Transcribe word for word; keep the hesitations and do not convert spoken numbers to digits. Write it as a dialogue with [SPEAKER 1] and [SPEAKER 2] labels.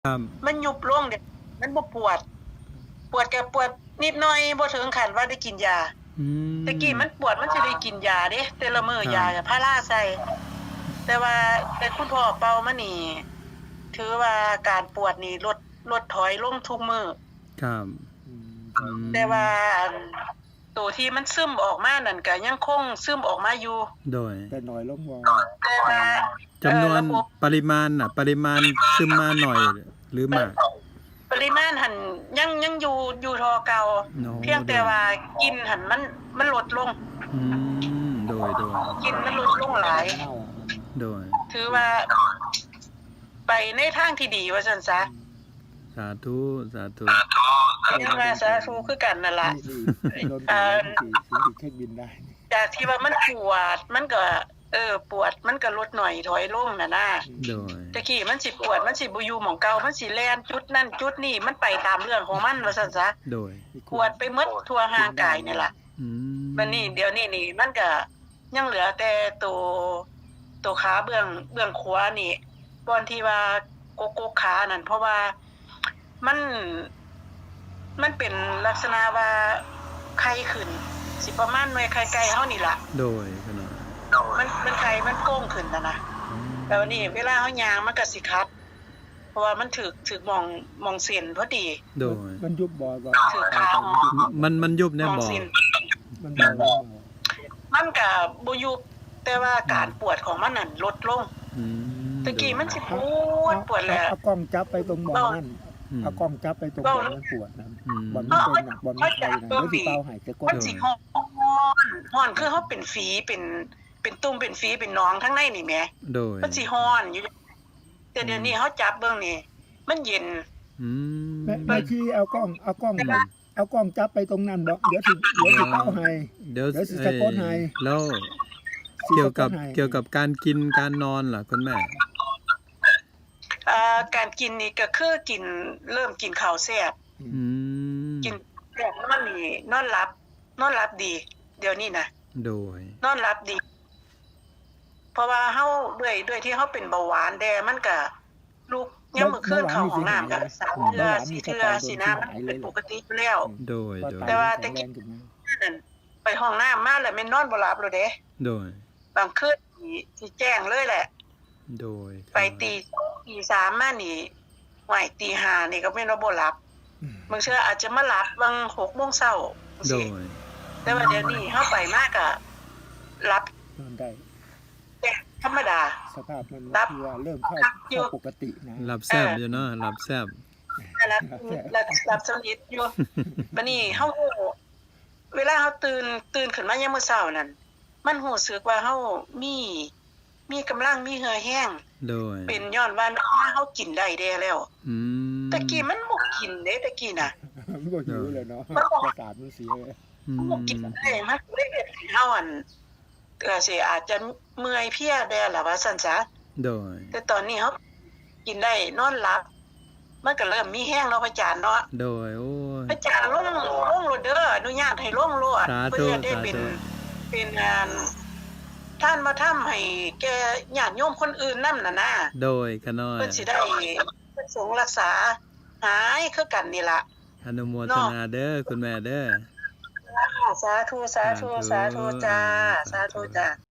[SPEAKER 1] ครับ
[SPEAKER 2] มันยุบลงเด็กมันบ่ปวด ปวดก็ปวดนิดหน่อยบ่ถึงขั้นว่าได้กินยา
[SPEAKER 1] อื
[SPEAKER 2] แต่กี้มันปวดมันสิได้กินยาเด้แต่ละมื้อ
[SPEAKER 1] ครับ
[SPEAKER 2] ยาก็พาราใส่แต่ว่าแต่คุณพ่อเป่ามานี่ถือว่าการปวดนี่ลดลดถอยลงทุกมื้อ
[SPEAKER 1] ครับ
[SPEAKER 3] อืมค
[SPEAKER 1] อื
[SPEAKER 3] รับ
[SPEAKER 1] ม
[SPEAKER 2] แต่ว่าอันตัวที่มันซึมออกมานั่นก็ยังคงซึมออกมาอยู่
[SPEAKER 1] โดย
[SPEAKER 3] แต่น้อยลงบ่
[SPEAKER 2] แต่ว่า
[SPEAKER 1] จำนวน
[SPEAKER 2] เอ่อระบบ
[SPEAKER 1] ปริมาณน่ะ ปริมาณซึมมาหน่อยหรือมาก
[SPEAKER 2] ปริมาณหันยังยังอยู่อยู่เทอเก่า
[SPEAKER 1] โอ้
[SPEAKER 2] เพียงแต่ว่ากินหันมันมันลดลง
[SPEAKER 1] อืมโดยโดย
[SPEAKER 2] กินมันลดลงหลาย
[SPEAKER 3] เน่า
[SPEAKER 1] โดย
[SPEAKER 2] ถือว่า ไปในทางที่ดีว่าซั่นซะ
[SPEAKER 1] สาธุสาธุ
[SPEAKER 2] ยังว่าสาธุคือกันนั่นล่ะ
[SPEAKER 3] นี่โดนตัวสิสิสิเช็คบินได้
[SPEAKER 2] จากที่ว่ามันปวดมันก็ เออ ปวดมันก็ลดหน่อยถอยลงน่ะนะ
[SPEAKER 1] โดย
[SPEAKER 2] ตะกี้มันสิปวดมันสิบ่อยู่หม้องเก่ามันสิแล่นจุดนั่นจุดนี่มันไปตามเรื่องของมันว่าซั่นซะ
[SPEAKER 1] โดย
[SPEAKER 2] ปวดไปหมดทั่วร่างกายนี่ล่ะ
[SPEAKER 1] อืม
[SPEAKER 2] บัดนี้เดี๋ยวนี้นี่มันก็ยังเหลือแต่ตัวตัวขาเบื้องเบื้องขวานี่บอนที่ว่าโกโก้ขานั่นเพราะว่ามันมันเป็นลักษณะว่าไข้ขึ้น สิประมาณหน่วยไข้ไก่เฮานี่ล่ะ
[SPEAKER 1] โดยขนาด
[SPEAKER 2] มันมันไข้มันโก้งขึ้นน่ะนะแต่วันนี้เวลาเฮาย่างมันก็สิคัด เพราะว่ามันถึกถึกหมองหมองเส้นพอดี
[SPEAKER 1] โดย
[SPEAKER 3] มันยุบบ่ก็
[SPEAKER 2] ถือข้าว
[SPEAKER 1] มันมันยุบ
[SPEAKER 2] ห
[SPEAKER 1] เนี่ย
[SPEAKER 2] มอง
[SPEAKER 1] บ่
[SPEAKER 2] เส้น
[SPEAKER 3] มันบ่บ่
[SPEAKER 2] มันก็บ่ยุบแต่ว่าการปวดของมันนั่นลดลง
[SPEAKER 1] อืม
[SPEAKER 2] ตะกี้มันสิปวดปวดแหละ
[SPEAKER 3] เอากล้องจับไปตรงบ่อนั่นเอากล้องจับไปตรงบ่อนั้นปวดนะ
[SPEAKER 1] อืม
[SPEAKER 3] บ่อนมันเป็นน่ะบ่อนมันไทยนะเดี๋ยวสิเป่าให้จะกด
[SPEAKER 2] มันสิฮ้อนฮ้อนคือเฮาเป็นฝีเป็นเป็นตุ่มเป็นฝีเป็นหนองทั้งในนี่แหม
[SPEAKER 1] โดย
[SPEAKER 2] มันสิฮ้อนอยู่แต่เดี๋ยวนี้เฮาจับเบิ่งนี่มันเย็น
[SPEAKER 1] อืม
[SPEAKER 3] แม่แม่ที่เอากล้องเอากล้องเอากล้องจับไปตรงนั้นบ่เดี๋ยวสิเดี๋ยวสิเป่าให้
[SPEAKER 1] เดี๋ยว
[SPEAKER 3] เดี๋ยวสิสะกดให้
[SPEAKER 1] แล้ว
[SPEAKER 3] สิ
[SPEAKER 1] เกี่ยวกับ
[SPEAKER 3] สะดให้
[SPEAKER 1] เกี่ยวกับการกินการนอนล่ะคุณแม่
[SPEAKER 2] อ่าการกินนี่ก็คือกินเริ่มกินข้าวแซ่บ
[SPEAKER 1] อืม
[SPEAKER 2] กินแซ่บนอนนี่นอนหลับ นอนหลับดี เดี๋ยวนี้นะ
[SPEAKER 1] โดย
[SPEAKER 2] นอนหลับดี เพราะว่าเฮาด้วยด้วยที่เฮาเป็นเบาหวานแดมันก็ลูกยามมื้อคืนเข้าห้องน้ำก็สามเทื่อสี่เทื่อสินะมันเป็นปกติอยู่แล้ว
[SPEAKER 1] โดยโดย
[SPEAKER 2] แต่ว่าแต่กี้ นั่นไปห้องน้ำมาแล้วแม่นนอนบ่หลับเลยเด้
[SPEAKER 1] โดย
[SPEAKER 2] บางคืนนี่สิแจ้งเลยแหละ
[SPEAKER 1] โดย
[SPEAKER 2] ไปตีตีสามมานี่ไหวตีห้านี่ก็แม่นว่าบ่หลับ
[SPEAKER 3] อืม
[SPEAKER 2] บางเทื่ออาจจะมาหลับบางหกโมงเช้า
[SPEAKER 1] โด
[SPEAKER 2] สิ
[SPEAKER 1] ย
[SPEAKER 2] แต่ว่าเดี๋ยวนี้เฮาไปมากก็หลับ
[SPEAKER 3] นอนได้
[SPEAKER 2] แต่ธรรมดา
[SPEAKER 3] สภาพมัน
[SPEAKER 2] รับ
[SPEAKER 3] คือว่าเริ่มเข้า
[SPEAKER 2] รับอยู่
[SPEAKER 3] เข้าปกตินะ
[SPEAKER 1] หลับแซ่บอยู่เนาะหลับแซ่บ
[SPEAKER 2] หลับหลับหลับสนิทอยู่บัดนี้เฮาเวลาเฮาตื่นตื่นขึ้นมายามมื้อเช้านั่นมันรู้สึกว่าเฮามีมีกำลังมีเหือแห้ง
[SPEAKER 1] โดย
[SPEAKER 2] เป็นย้อนว่าเฮากินได้แด้แล้ว
[SPEAKER 1] อืม
[SPEAKER 2] ตะกี้มันบ่กินเด้ตะกี้น่ะ
[SPEAKER 3] มันก็หิวเลยเนาะประสาทมันเสียเลย
[SPEAKER 1] อืม
[SPEAKER 2] บ่กินได้มันเลยเฮ็ดให้เฮาอันก็สิอาจจะเมื่อยเพลียแด้ล่ะว่าซั่นซะ
[SPEAKER 1] โดย
[SPEAKER 2] แต่ตอนนี้เฮากินได้นอนหลับ มันก็เริ่มมีแห้งเนาะพระอาจารย์เนาะ
[SPEAKER 1] โดยโอ้ย
[SPEAKER 2] พระอาจารย์ลงลงโลดเด้ออนุญาตให้ลงโลด
[SPEAKER 1] สาธุ
[SPEAKER 2] เพื่อได้เป็น
[SPEAKER 1] สาธุ
[SPEAKER 2] เป็นงานท่านมาทำให้แก่ญาติโยมคนอื่นนำน่ะนะ
[SPEAKER 1] โดยขน้อย
[SPEAKER 2] เพิ่นสิได้ประสงค์รักษาหายคือกันนี่ล่ะ
[SPEAKER 1] อนุโมทนาเด้อคุณแม่เด้อ
[SPEAKER 2] สาธุสาธุสาธุจ้าสาธุจ้า